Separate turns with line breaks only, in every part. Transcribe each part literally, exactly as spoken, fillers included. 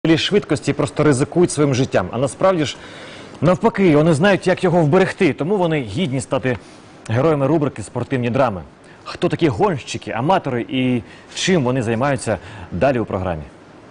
Швидкості просто ризикують своїм життям. А насправді ж, навпаки, вони знають, як його вберегти. Тому вони гідні стати героями рубрики «Спортивні драми». Хто такі гонщики, аматори і чим вони займаються, далі у програмі.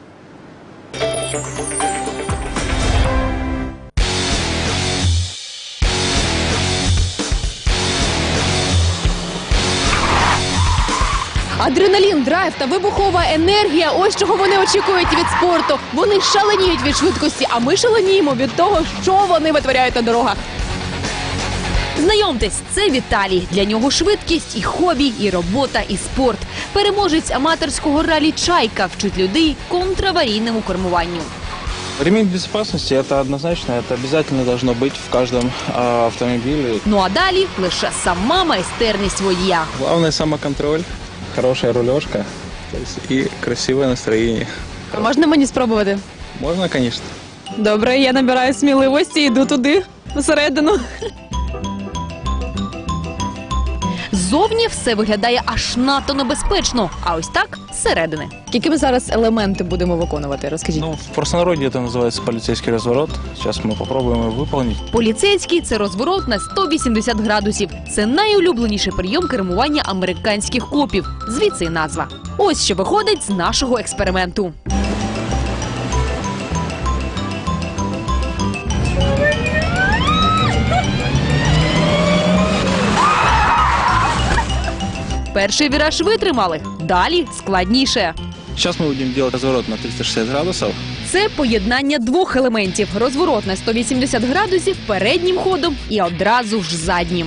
Адреналін, драйв та вибухова енергія – ось чого вони очікують від спорту. Вони шаленіють від швидкості, а ми шаленіємо від того, що вони витворяють на дорогах.
Знайомтесь, це Віталій. Для нього швидкість і хобі, і робота, і спорт. Переможець аматорського ралі «Чайка» вчить людей контраварійному кермуванню.
Ремень безопасности – это однозначно, это обязательно должно быть в каждом а, автомобиле.
Ну а далі лише сама майстерність водія.
Главное – самоконтроль, хорошая рулежка, то есть и красивое настроение.
А можна мені спробувати?
Можно, конечно.
Добре, я набираю сміливості і йду туди, всередину.
Ззовні все виглядає аж надто небезпечно, а ось так – зсередини.
Які ми зараз елементи будемо виконувати, розкажіть.
Ну, в простонародье это называется полицейский разворот. Сейчас мы попробуем его выполнить.
Поліцейський – це розворот на сто вісімдесят градусів. Це найулюбленіший прийом кермування американських копів. Звідси і назва. Ось що виходить з нашого експерименту. Перший віраж витримали, далі складніше.
Сейчас мы будем делать разворот на триста шестьдесят градусов.
Це поєднання двох елементів – розворот на сто вісімдесят градусів переднім ходом і одразу ж заднім.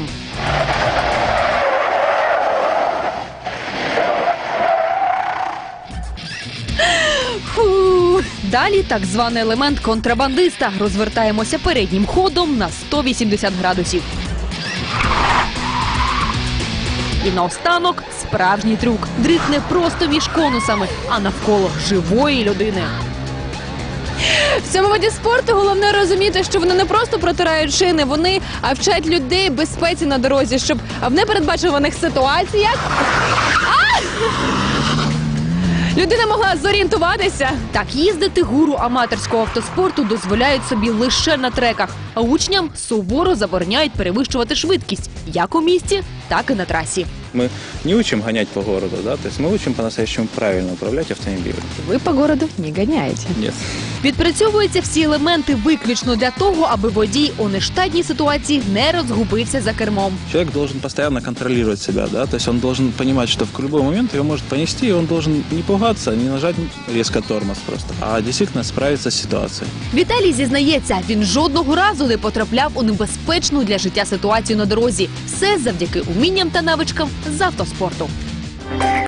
Фу. Далі так званий елемент контрабандиста. Розвертаємося переднім ходом на сто вісімдесят градусів. І наостанок справжній трюк. Дрифт не просто між конусами, а навколо живої людини.
В цьому виді спорту головне розуміти, що вони не просто протирають шини, вони а, вчать людей безпеці на дорозі, щоб в непередбачуваних ситуаціях а! людина могла зорієнтуватися.
Так їздити гуру аматорського автоспорту дозволяють собі лише на треках, а учням суворо забороняють перевищувати швидкість як у місті, так і на трасі.
Мы не учим гонять по городу, да, то есть мы учим по-настоящему правильно управлять автомобилем.
Ви по городу не ганяєте.
Нет.
Відпрацьовуються всі елементи виключно для того, аби водій у нештатній ситуації не розгубився за кермом.
Человек должен постоянно контролировать себя, да, то есть он должен понимать, что в любой момент его может понести, и он должен не пугаться, не нажать резко тормоз просто, а действительно справиться с ситуацией.
Віталій зізнається, він жодного разу не потрапляв у небезпечну для життя ситуацію на дорозі. Все завдяки умінням та навичкам з автоспорту.